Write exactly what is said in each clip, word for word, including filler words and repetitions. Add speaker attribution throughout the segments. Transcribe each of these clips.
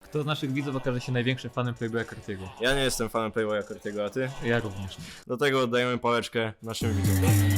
Speaker 1: Kto z naszych widzów okaże się największym fanem Playboya Cartiego?
Speaker 2: Ja nie jestem fanem Playboya Cartiego, a ty?
Speaker 1: Ja również.
Speaker 2: Do tego oddajemy pałeczkę naszym widzom.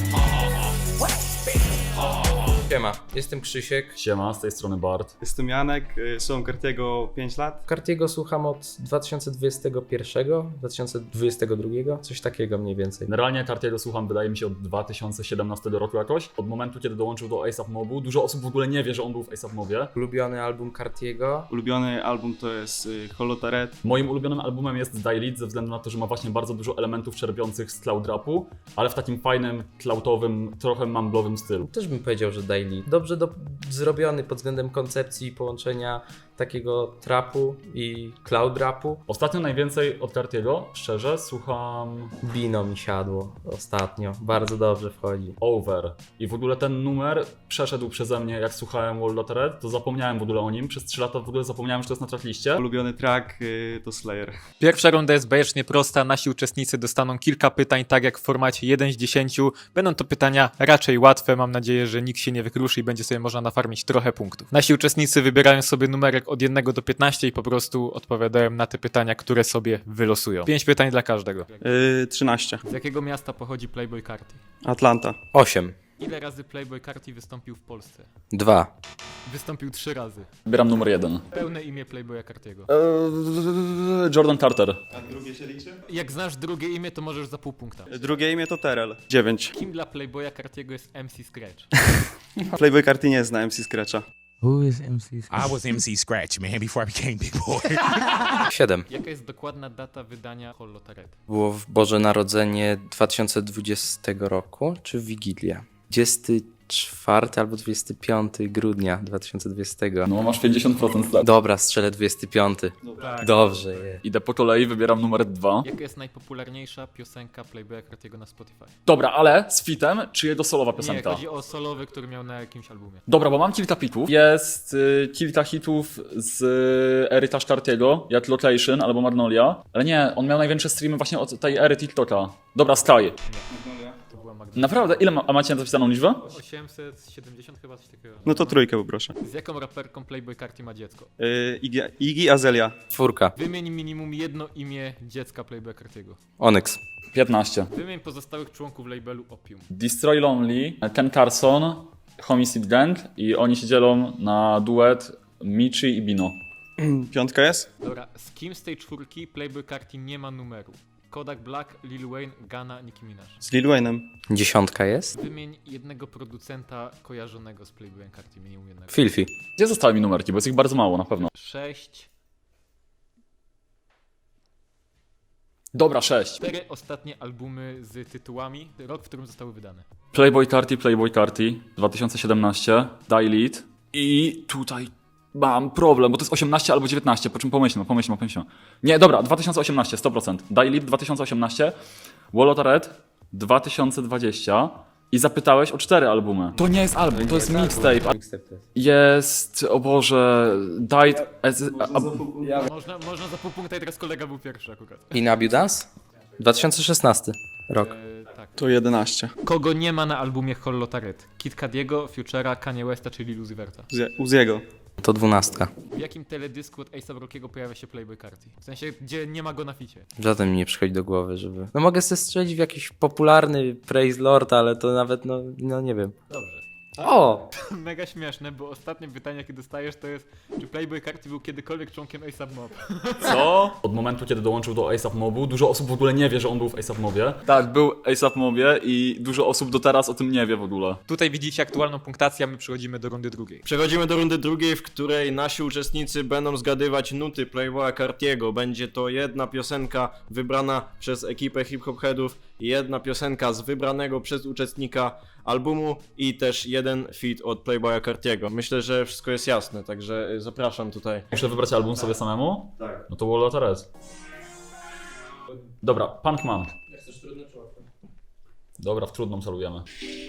Speaker 3: Siema, jestem Krzysiek.
Speaker 4: Siema, z tej strony Bart.
Speaker 5: Jestem Janek, y, słucham Cartiego pięć lat.
Speaker 3: Cartiego słucham od dwa tysiące dwudziestego pierwszego, dwa tysiące dwudziestego drugiego, coś takiego mniej więcej.
Speaker 4: Generalnie Cartiego słucham, wydaje mi się, od dwa tysiące siedemnastego roku jakoś. Od momentu, kiedy dołączył do A$ap Mobu. Dużo osób w ogóle nie wie, że on był w A$ap Mobie.
Speaker 3: Ulubiony album Cartiego.
Speaker 5: Ulubiony album to jest y, Holotaret.
Speaker 4: Moim ulubionym albumem jest Die Lit, ze względu na to, że ma właśnie bardzo dużo elementów czerpiących z cloud rapu, ale w takim fajnym, cloudowym, trochę mumblowym stylu.
Speaker 3: Też bym powiedział, że Daily. Dobrze do, zrobiony pod względem koncepcji i połączenia takiego trapu i cloud rapu.
Speaker 4: Ostatnio najwięcej od Cartiego, szczerze, słucham
Speaker 3: Bino mi siadło ostatnio, bardzo dobrze wchodzi.
Speaker 4: Over. I w ogóle ten numer przeszedł przeze mnie, jak słuchałem Wall to zapomniałem w ogóle o nim. Przez trzy lata w ogóle zapomniałem, że to jest na trackliście.
Speaker 5: Ulubiony track y, to Slayer.
Speaker 1: Pierwsza runda jest bajecznie prosta. Nasi uczestnicy dostaną kilka pytań, tak jak w formacie jeden z dziesięciu. Będą to pytania raczej łatwe. Mam nadzieję, że nikt się nie wykruszy i będzie sobie można nafarmić trochę punktów. Nasi uczestnicy wybierają sobie numerek od jednego do piętnastu i po prostu odpowiadają na te pytania, które sobie wylosują. Pięć pytań dla każdego.
Speaker 5: Y, trzynaście.
Speaker 1: Z jakiego miasta pochodzi Playboy Carti?
Speaker 5: Atlanta.
Speaker 3: osiem.
Speaker 1: Ile razy Playboy Carti wystąpił w Polsce?
Speaker 3: dwa.
Speaker 1: Wystąpił trzy razy.
Speaker 4: Wybieram numer jeden.
Speaker 1: Pełne imię Playboya Cartiego.
Speaker 4: Eee, Jordan Carter.
Speaker 5: A drugie się liczy?
Speaker 1: Jak znasz drugie imię, to możesz za pół punkta.
Speaker 5: Drugie imię to Terrell. dziewięć.
Speaker 1: Kim dla Playboya Cartiego jest M C Scratch?
Speaker 5: Playboy Carti nie zna M C Scratcha.
Speaker 6: Who is M C?
Speaker 7: I was M C Scratch, man, before I became Big Boy.
Speaker 3: siedem.
Speaker 1: Jaka jest dokładna data wydania Holotaret?
Speaker 3: Było w Boże Narodzenie dwa tysiące dwudziestego roku, czy Wigilia? dwudziestego czwartego albo dwudziestego piątego grudnia dwa tysiące dwudziestego.
Speaker 4: No masz pięćdziesiąt procent strat.
Speaker 3: Dobra, strzelę dwudziesty piąty.
Speaker 1: Tak.
Speaker 3: Dobrze je.
Speaker 4: Idę po kolei, wybieram numer dwa.
Speaker 1: Jaka jest najpopularniejsza piosenka Playboya Cartiego na Spotify?
Speaker 4: Dobra, ale z fitem, czy jego solowa
Speaker 1: Nie,
Speaker 4: piosenka?
Speaker 1: chodzi o solowy, który miał na jakimś albumie.
Speaker 4: Dobra, bo mam kilka pitów. Jest y, kilka hitów z y, ery też Cartiego, jak Location albo Magnolia. Ale nie, on miał największe streamy właśnie od tej ery TikToka. Dobra, Sky.
Speaker 1: To była Magda.
Speaker 4: Naprawdę? Ile ma, a macie zapisaną liczbę?
Speaker 1: osiemset siedemdziesiąt chyba coś takiego.
Speaker 5: No to trójkę poproszę.
Speaker 1: Z jaką raperką Playboy Carti ma dziecko?
Speaker 5: Y, Iggy, Iggy Azalea.
Speaker 3: Czwórka.
Speaker 1: Wymień minimum jedno imię dziecka Playboya Cartiego.
Speaker 3: Onyx.
Speaker 4: piętnaście.
Speaker 1: Wymień pozostałych członków labelu Opium.
Speaker 4: Destroy Lonely, Ken Carson, Homicide Gang i oni się dzielą na duet Michi i Bino.
Speaker 5: Piątka jest?
Speaker 1: Dobra, z kim z tej czwórki Playboy Carti nie ma numeru? Kodak Black, Lil Wayne, Gunna, Nicki Minaj.
Speaker 5: Z Lil Wayne'em.
Speaker 3: Dziesiątka jest?
Speaker 1: Wymień jednego producenta kojarzonego z Playboyem Carti, minimum jednego.
Speaker 3: Filfi.
Speaker 4: Gdzie zostały mi numerki? Bo jest ich bardzo mało na pewno.
Speaker 1: sześć.
Speaker 4: Dobra, sześć.
Speaker 1: Cztery ostatnie albumy z tytułami, rok, w którym zostały wydane.
Speaker 4: Playboy Carti, Playboy Carti, dwa tysiące siedemnaście, Die Lit i tutaj mam problem, bo to jest osiemnaście albo dziewiętnaście, po czym pomyślmy, pomyślmy, pomyślmy. Nie, dobra, dwa tysiące osiemnaście, sto procent. Die Lit dwa tysiące osiemnaście, Wall dwa tysiące dwadzieścia i zapytałeś o cztery albumy. To nie jest album, to jest mixtape. Jest, o Boże, Died as... A, a,
Speaker 1: Można, można za pół punkta i teraz kolega był pierwszy akurat.
Speaker 3: In Abundance? dwa tysiące szesnasty rok.
Speaker 1: E, tak.
Speaker 5: To jedenaście.
Speaker 1: Kogo nie ma na albumie Holotaret? Kid Cadiego, Futura, Kanye Westa czy Lil Uzi Verta?
Speaker 5: Uzie- Uziego.
Speaker 3: To dwunastka.
Speaker 1: W jakim teledysku od A$ap Rockiego pojawia się Playboy Carti? W sensie, gdzie nie ma go na ficie.
Speaker 3: Żaden mi nie przychodzi do głowy, żeby... No mogę sobie strzelić w jakiś popularny Praise Lord, ale to nawet, no, no nie wiem.
Speaker 1: Dobrze.
Speaker 3: O!
Speaker 1: Mega śmieszne, bo ostatnie pytanie, jakie dostajesz, to jest, czy Playboy Carti był kiedykolwiek członkiem A$ap Mob?
Speaker 4: Co? Od momentu, kiedy dołączył do A$ap Mobu, dużo osób w ogóle nie wie, że on był w A$ap Mobie. Tak, był A$ap Mobie i dużo osób do teraz o tym nie wie w ogóle.
Speaker 1: Tutaj widzicie aktualną punktację, a my przechodzimy do rundy drugiej.
Speaker 2: Przechodzimy do rundy drugiej, w której nasi uczestnicy będą zgadywać nuty Playboya Cartiego. Będzie to jedna piosenka wybrana przez ekipę hip-hop headów i jedna piosenka z wybranego przez uczestnika albumu i też jeden feat od Playboya Cartiego. Myślę, że wszystko jest jasne, także zapraszam tutaj.
Speaker 4: Muszę wybrać album sobie samemu?
Speaker 5: Tak.
Speaker 4: No to Wall Dobra, Punk Man. Dobra, w trudną celujemy.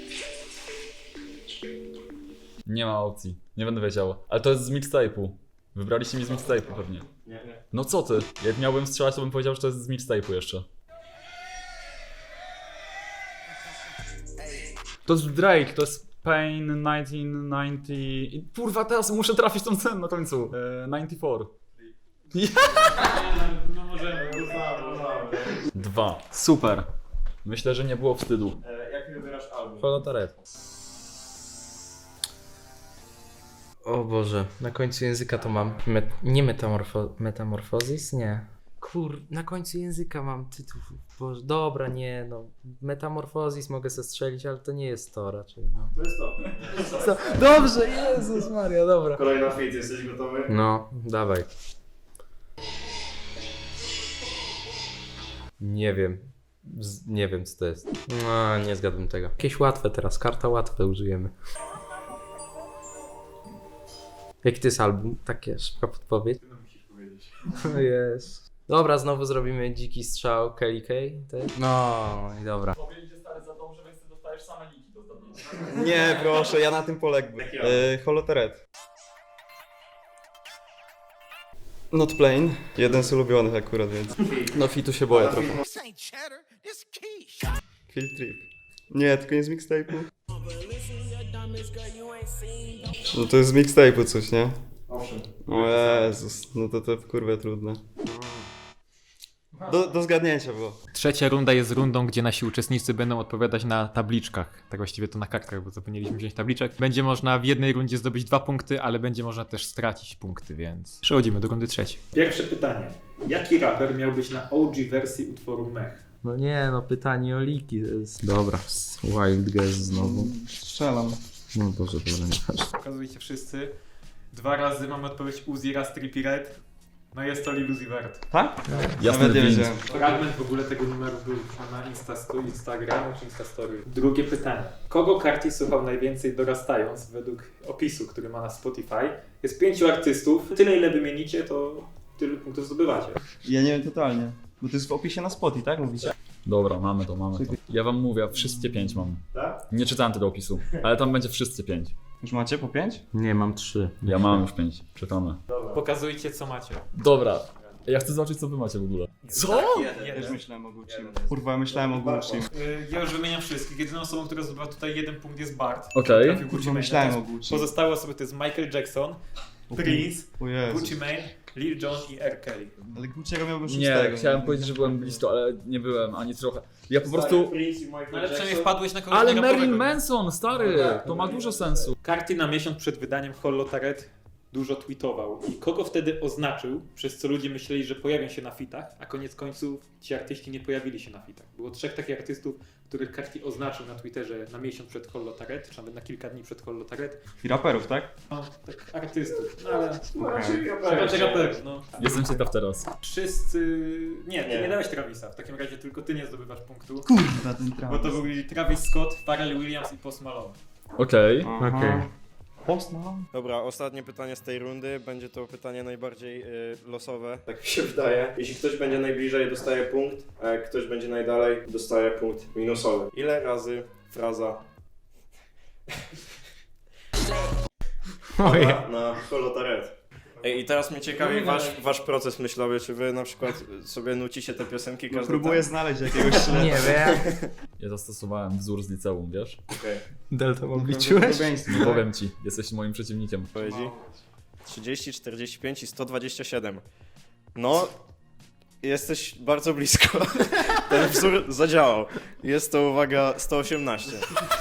Speaker 4: Nie ma opcji, nie będę wiedział. Ale to jest z mixtape'u. Wybraliście mi z mixtape'u pewnie.
Speaker 2: Nie, nie.
Speaker 4: No co ty? Jak miałbym strzelać, to bym powiedział, że to jest z mixtape'u jeszcze. To jest Drake, to jest Pain tysiąc dziewięćset dziewięćdziesiąt... I kurwa, teraz muszę trafić tą cenę na końcu. E, dziewięćdziesiąt cztery.
Speaker 1: No możemy,
Speaker 4: Dwa. Super. Myślę, że nie było wstydu.
Speaker 2: Jak wybierasz album?
Speaker 3: Holotaret. O Boże, na końcu języka to mam. Met, nie metamorfo, metamorfozis? Nie. Kur, na końcu języka mam tytuł. Boże, dobra, nie, no. Metamorfozis mogę zestrzelić, ale to nie jest to raczej. No.
Speaker 2: To jest to.
Speaker 3: Co? Dobrze, Jezus Maria, dobra.
Speaker 2: Kolejna fit, jesteś gotowy?
Speaker 3: No, dawaj. Nie wiem. Z, nie wiem co to jest. No, nie zgadłem tego. Jakieś łatwe teraz, karta łatwe użyjemy. Jaki to jest album? Takie szybka podpowiedź.
Speaker 1: No musisz powiedzieć.
Speaker 3: O jest. Dobra, znowu zrobimy dziki strzał Kelly Kay. No i dobra.
Speaker 4: Powiedzieć stary za dobrze, więc ty dostajesz same liki do zdobycia.
Speaker 5: Nie, proszę, ja na tym poległem. E, Holotaret. Not plain. Jeden z ulubionych akurat, więc. No fitu się boję trochę.
Speaker 7: This ain't cheddar, this quiche.
Speaker 5: Field Trip. Nie, tylko nie z mixtape'u. No to jest z mixtape'u coś, nie?
Speaker 2: Owszem.
Speaker 5: O Jezus, no to to kurwa trudne. Do, do zgadnięcia było.
Speaker 1: Trzecia runda jest rundą, gdzie nasi uczestnicy będą odpowiadać na tabliczkach. Tak właściwie to na kartkach, bo zapomnieliśmy wziąć tabliczek. Będzie można w jednej rundzie zdobyć dwa punkty, ale będzie można też stracić punkty, więc przechodzimy do rundy trzeciej. Pierwsze pytanie. Jaki raper miał być na O G wersji utworu Mech?
Speaker 3: No nie, no pytanie o liki to jest... Dobra, Wild Guess znowu.
Speaker 5: Strzelam.
Speaker 3: No Boże, dobra, nie patrz.
Speaker 1: Pokazujcie wszyscy. Dwa razy mamy odpowiedź Uzi, raz Trippie Redd. No jest to Lil Uzi Vert.
Speaker 5: Tak?
Speaker 4: Jasny
Speaker 5: Nawet nie
Speaker 4: gwint.
Speaker 5: wiedziałem.
Speaker 1: Fragment w ogóle tego numeru był na Insta, Instagramu czy Instastory. Drugie pytanie. Kogo Carti słuchał najwięcej dorastając według opisu, który ma na Spotify? Jest pięciu artystów. Tyle ile wymienicie, to tyle punktów zdobywacie.
Speaker 5: Ja nie wiem totalnie. Bo to jest w opisie na Spotify, tak mówicie?
Speaker 4: Dobra, mamy to, mamy to. Ja wam mówię, wszystkie pięć mam.
Speaker 1: Tak?
Speaker 4: Nie czytałem tego opisu, ale tam będzie wszystkie pięć.
Speaker 5: Już macie po pięć?
Speaker 3: Nie, mam trzy.
Speaker 4: Ja mam już pięć, czytamy.
Speaker 1: Pokazujcie co macie.
Speaker 4: Dobra, ja chcę zobaczyć co wy macie w ogóle. Co?
Speaker 5: Ja też myślałem o Gucci. Kurwa, myślałem o Gucci.
Speaker 1: Y, Ja już wymieniam wszystkich. Jedyną osobą, która zdobyła tutaj jeden punkt jest Bart.
Speaker 4: Okej.
Speaker 1: Trafił Gucci
Speaker 5: Kurwa,
Speaker 1: Mane.
Speaker 5: myślałem o Gucci.
Speaker 1: Pozostałe osoby to jest Michael Jackson, Prince,
Speaker 5: O Jezu.
Speaker 1: Gucci Mane, Lil Jon i R. Kelly.
Speaker 5: Ale Gucci'ego miałbym
Speaker 4: Nie,
Speaker 5: szóstego.
Speaker 4: chciałem powiedzieć, że byłem blisko, ale nie byłem ani trochę. Ja po prostu...
Speaker 1: No ale przynajmniej wpadłeś na kogoś
Speaker 4: Ale
Speaker 1: rapowego,
Speaker 4: Marilyn
Speaker 1: nie?
Speaker 4: Manson, stary! To ma dużo sensu.
Speaker 1: Carti na miesiąc przed wydaniem Holotaret dużo tweetował. I kogo wtedy oznaczył, przez co ludzie myśleli, że pojawią się na fitach, a koniec końców ci artyści nie pojawili się na fitach. Było trzech takich artystów, których Carti oznaczył na Twitterze na miesiąc przed Holotaret, czy nawet na kilka dni przed Holotaret.
Speaker 5: I raperów, tak?
Speaker 1: No, tak artystów. No ale...
Speaker 2: Raczej
Speaker 1: Raczej raperów, no.
Speaker 4: Jestem ciekaw teraz.
Speaker 1: Wszyscy... Nie, ty nie,
Speaker 2: Nie.
Speaker 1: dałeś Travisa. W takim razie tylko ty nie zdobywasz punktu.
Speaker 5: Kurwa, ten
Speaker 1: Bo to byli Travis Scott, Pharrell Williams i Post Malone.
Speaker 4: Okej.
Speaker 3: Okej.
Speaker 5: Post Malone?
Speaker 2: Dobra, ostatnie pytanie z tej rundy. Będzie to pytanie najbardziej y, losowe, tak mi się wydaje. Jeśli ktoś będzie najbliżej, dostaje punkt, a jak ktoś będzie najdalej, dostaje punkt minusowy. Ile razy fraza na, na Holotaret? Ej, i teraz mnie ciekawi wasz, wasz proces myślowy, czy wy na przykład sobie nucicie te piosenki
Speaker 5: No,
Speaker 2: każdy
Speaker 5: próbuję znaleźć jakiegoś śledztwa.
Speaker 3: Nie wiem.
Speaker 4: Ja zastosowałem wzór z liceum, wiesz?
Speaker 2: Okej,
Speaker 3: Delta
Speaker 5: Liczyłeś?
Speaker 4: Nie powiem ci, jesteś moim przeciwnikiem.
Speaker 2: odpowiedzi? trzydzieści, czterdzieści pięć i sto dwadzieścia siedem. No, jesteś bardzo blisko. Ten wzór zadziałał. Jest to, uwaga, sto osiemnaście.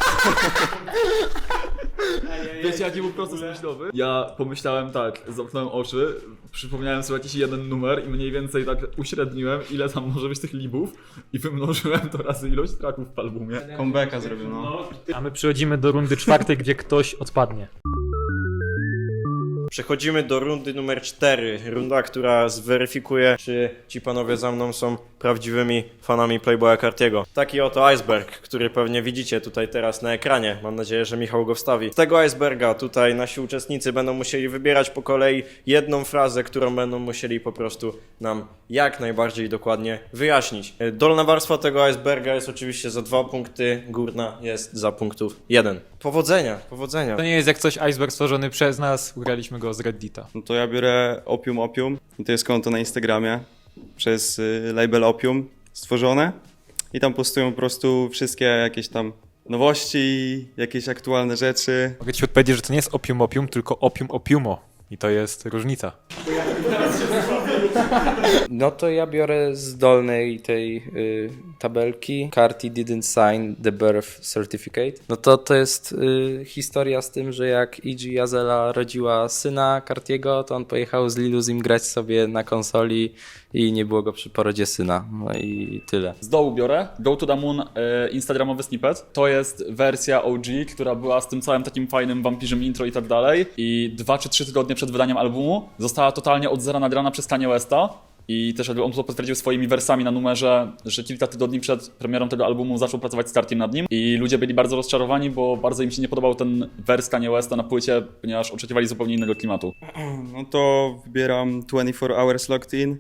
Speaker 4: Wiecie jaki był proces myślowy? Ja pomyślałem tak, zamknąłem oczy, przypomniałem sobie jakiś jeden numer i mniej więcej tak uśredniłem ile tam może być tych libów i wymnożyłem to razy ilość traków w albumie.
Speaker 5: Comebacka zrobił, no.
Speaker 1: A my przechodzimy do rundy czwartej, gdzie ktoś odpadnie.
Speaker 2: Przechodzimy do rundy numer cztery. Runda, która zweryfikuje, czy ci panowie za mną są prawdziwymi fanami Playboya Cartiego. Taki oto iceberg, który pewnie widzicie tutaj teraz na ekranie. Mam nadzieję, że Michał go wstawi. Z tego iceberga tutaj nasi uczestnicy będą musieli wybierać po kolei jedną frazę, którą będą musieli po prostu nam jak najbardziej dokładnie wyjaśnić. Dolna warstwa tego iceberga jest oczywiście za dwa punkty, górna jest za punktów jeden. Powodzenia, powodzenia.
Speaker 1: To nie jest jak coś iceberg stworzony przez nas, ugraliśmy go z Reddita.
Speaker 5: No to ja biorę Opium Opium. I to jest konto na Instagramie przez y, label Opium stworzone. I tam postują po prostu wszystkie jakieś tam nowości, jakieś aktualne rzeczy.
Speaker 1: Mogę ci odpowiedzieć, że to nie jest opium opium, tylko opium opiumo. I to jest różnica.
Speaker 3: No to ja biorę z dolnej tej y, tabelki Carti didn't sign the birth certificate. No to to jest y, historia z tym, że jak Iggy Azalea rodziła syna Cartiego, to on pojechał z Lil Uzim grać sobie na konsoli i nie było go przy porodzie syna. No i tyle.
Speaker 4: Z dołu biorę Go to the Moon, e, instagramowy snippet. To jest wersja O G, która była z tym całym takim fajnym wampirzym intro i tak dalej. I dwa czy trzy tygodnie przed wydaniem albumu została totalnie od zera nagrana przez Kanye Westa. I też jakby on to potwierdził swoimi wersami na numerze, że kilka tygodni przed premierą tego albumu zaczął pracować z Cartiem nad nim. I ludzie byli bardzo rozczarowani, bo bardzo im się nie podobał ten wers Kanye Westa na płycie, ponieważ oczekiwali zupełnie innego klimatu.
Speaker 5: No to wybieram twenty-four hours Locked In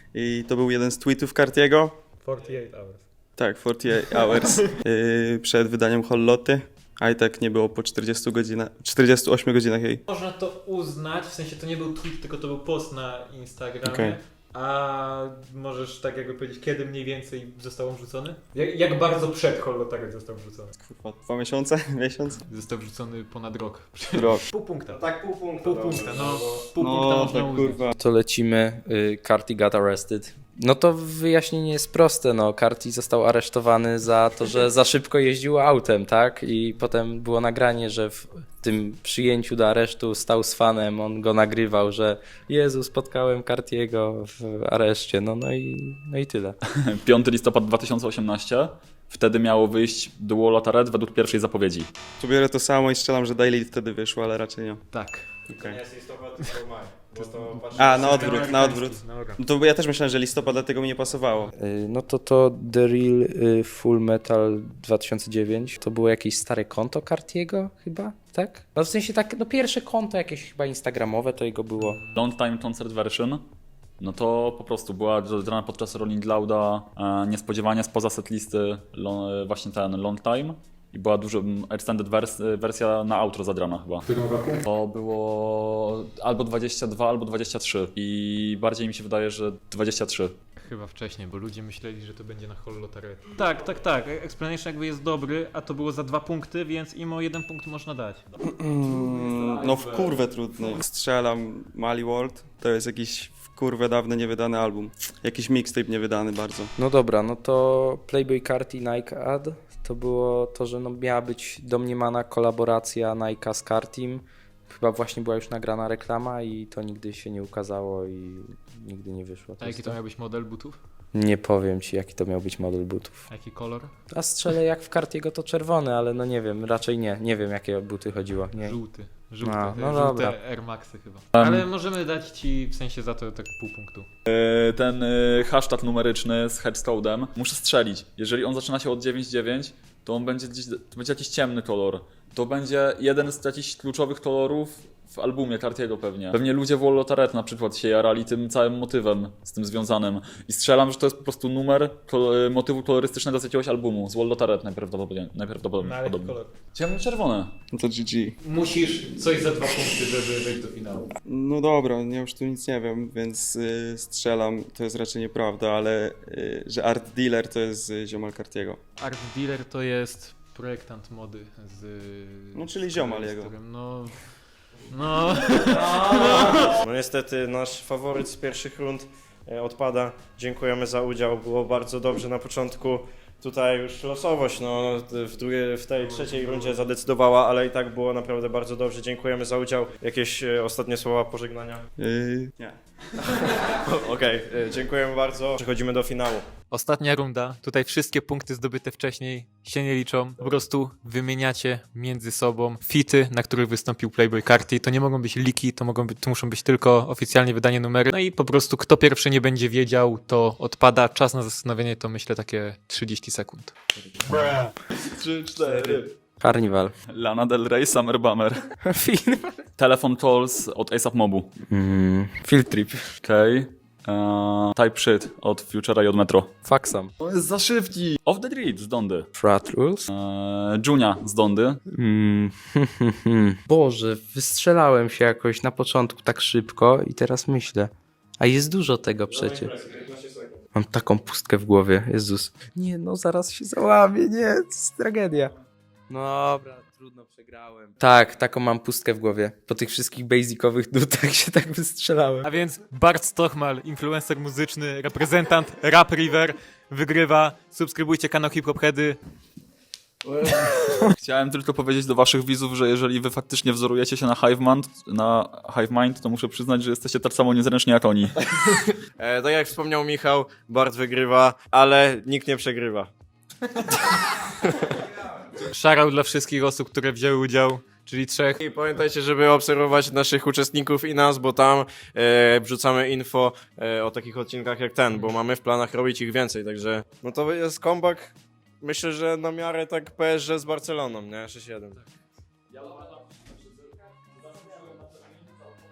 Speaker 5: i to był jeden z tweetów Cartiego.
Speaker 1: forty-eight hours.
Speaker 5: Tak, forty-eight hours yy, przed wydaniem Holloty, a i tak nie było po czterdziestu godzinach, czterdziestu ośmiu godzinach jej.
Speaker 1: Można to uznać, w sensie to nie był tweet, tylko to był post na Instagramie.
Speaker 5: Okej.
Speaker 1: A możesz tak jakby powiedzieć, kiedy mniej więcej został on wrzucony? Jak, jak bardzo przed Hollotarek został wrzucony?
Speaker 5: Kurwa, dwa miesiące? Miesiąc?
Speaker 1: Został wrzucony ponad rok.
Speaker 5: Rok.
Speaker 1: Pół punkta.
Speaker 2: Tak, pół punkta.
Speaker 1: Pół
Speaker 2: dobrze,
Speaker 1: punkta, no.
Speaker 2: bo-
Speaker 1: Pół punkta
Speaker 5: No,
Speaker 1: można
Speaker 5: tak
Speaker 1: uznać.
Speaker 5: kurwa.
Speaker 3: To lecimy. Y, Carti got arrested. No to wyjaśnienie jest proste. No, Carti został aresztowany za to, że za szybko jeździł autem, tak? I potem było nagranie, że w tym przyjęciu do aresztu stał z fanem, on go nagrywał, że Jezu, spotkałem Cartiego w areszcie. No, no, i, no i tyle.
Speaker 4: piąty listopada dwa tysiące osiemnastego. Wtedy miało wyjść The Wall of Red według pierwszej zapowiedzi.
Speaker 5: Tu biorę to samo i strzelam, że Daily wtedy wyszło, ale raczej nie.
Speaker 1: Tak.
Speaker 2: To nie jest listopad, tylko maj. Bo to patrz-
Speaker 5: A, na odwrót, na odwrót.
Speaker 1: Dobra.
Speaker 5: No to ja też myślałem, że listopad, dlatego mi nie pasowało.
Speaker 3: Y, No to to The Real y, Full Metal dwa tysiące dziewięć. To było jakieś stare konto Cartiego chyba, tak? No w sensie tak, no pierwsze konto jakieś chyba instagramowe to jego było.
Speaker 4: Long Time Concert Version. No to po prostu była dodana podczas Rolling Louda e, niespodziewanie spoza setlisty lo, e, właśnie ten Long Time. I była dużo m, extended wers, wersja na outro zadrana chyba.
Speaker 1: W którym roku?
Speaker 4: To było albo dwadzieścia dwa, albo dwadzieścia trzy. I bardziej mi się wydaje, że dwadzieścia trzy.
Speaker 1: Chyba wcześniej, bo ludzie myśleli, że to będzie na Hollotarek. Tak, tak, tak. Explanation jakby jest dobry, a to było za dwa punkty, więc im o jeden punkt można dać.
Speaker 5: Mm, no w kurwę trudny. Strzelam Mali World, to jest jakiś w kurwę dawny niewydany album. Jakiś mixtape niewydany bardzo.
Speaker 3: No dobra, no to Playboy Carti Nike Ad to było to, że no miała być domniemana kolaboracja Nike'a z Cartim. Chyba właśnie była już nagrana reklama i to nigdy się nie ukazało i nigdy nie wyszło.
Speaker 1: A jaki to miał być model butów?
Speaker 3: Nie powiem ci, jaki to miał być model butów.
Speaker 1: A jaki kolor?
Speaker 3: A strzelę jak w Cartiego to czerwony, ale no nie wiem, raczej nie. Nie wiem, jakie buty chodziło. Nie.
Speaker 1: Żółty. Żółty.
Speaker 3: A, no
Speaker 1: Żółte
Speaker 3: dobra.
Speaker 1: Air Maxy chyba. Ale możemy dać ci w sensie za to tak pół punktu.
Speaker 4: E, ten e, hashtag numeryczny z headcodem muszę strzelić. Jeżeli on zaczyna się od dziewięć dziewięć, to on będzie gdzieś, to będzie jakiś ciemny kolor. To będzie jeden z jakichś kluczowych kolorów w albumie Cartiego pewnie. Pewnie ludzie w Wall of Red na przykład się jarali tym całym motywem z tym związanym. I strzelam, że to jest po prostu numer kol- motywu kolorystycznego z jakiegoś albumu. Z Wall of Red najprawdopodobniej. najprawdopodobniej.
Speaker 1: Na jaki kolor?
Speaker 4: Ciemno-czerwone.
Speaker 5: No to G G.
Speaker 1: Musisz coś za dwa punkty, żeby wejść do finału.
Speaker 5: No dobra, ja już tu nic nie wiem, więc y, strzelam, to jest raczej nieprawda, ale y, że Art Dealer to jest y, ziomal Cartiego.
Speaker 1: Art Dealer to jest projektant mody z...
Speaker 5: No, czyli ziomal
Speaker 1: z
Speaker 5: jego.
Speaker 1: którym, No... No...
Speaker 2: No niestety nasz faworyt z pierwszych rund e, odpada. Dziękujemy za udział, było bardzo dobrze na początku. Tutaj już losowość no, w, drugiej, w tej trzeciej rundzie zadecydowała, ale i tak było naprawdę bardzo dobrze. Dziękujemy za udział. Jakieś e, ostatnie słowa pożegnania?
Speaker 5: Yy, nie.
Speaker 2: Okej, e, dziękujemy bardzo. Przechodzimy do finału.
Speaker 1: Ostatnia runda. Tutaj wszystkie punkty zdobyte wcześniej się nie liczą. Po prostu wymieniacie między sobą fity, na których wystąpił Playboy Carti. To nie mogą być leaky, to, mogą być, to muszą być tylko oficjalnie wydanie numery. No i po prostu kto pierwszy nie będzie wiedział, to odpada. Czas na zastanowienie to myślę takie trzydzieści sekund.
Speaker 4: trzy, cztery.
Speaker 3: Carnival.
Speaker 4: Lana Del Rey, Summer Bummer.
Speaker 3: Film.
Speaker 4: Telephone Calls od A$ap Mobu.
Speaker 3: Mm, field trip.
Speaker 4: Okej. Okay. Type Shit od Futura i od Metro.
Speaker 3: Faxam.
Speaker 4: To jest za szybki. Off the Grid z Dondy.
Speaker 3: Frat Rules.
Speaker 4: Eee, Junia z Dondy.
Speaker 3: Mm, Boże, wystrzelałem się jakoś na początku tak szybko i teraz myślę. A jest dużo tego przecież. Mam taką pustkę w głowie, Jezus. Nie no, zaraz się załamię, nie, to jest tragedia. No dobra, trudno. trudno, przegrałem. Tak, taką mam pustkę w głowie. Po tych wszystkich basicowych nutach się tak wystrzelałem.
Speaker 1: A więc Bart Stochmal, influencer muzyczny, reprezentant Rap River, wygrywa. Subskrybujcie kanał Hip Hop Heady.
Speaker 4: Chciałem tylko powiedzieć do waszych widzów, że jeżeli wy faktycznie wzorujecie się na Hivemind, na Hivemind, to muszę przyznać, że jesteście tak samo niezręczni jak oni.
Speaker 2: E, tak jak wspomniał Michał, Bart wygrywa, ale nikt nie przegrywa.
Speaker 1: Shoutout dla wszystkich osób, które wzięły udział, czyli trzech.
Speaker 2: I pamiętajcie, żeby obserwować naszych uczestników i nas, bo tam e, wrzucamy info e, o takich odcinkach jak ten, bo mamy w planach robić ich więcej, także no to jest comeback, myślę, że na miarę tak P S G z Barceloną, nie? sześć jeden.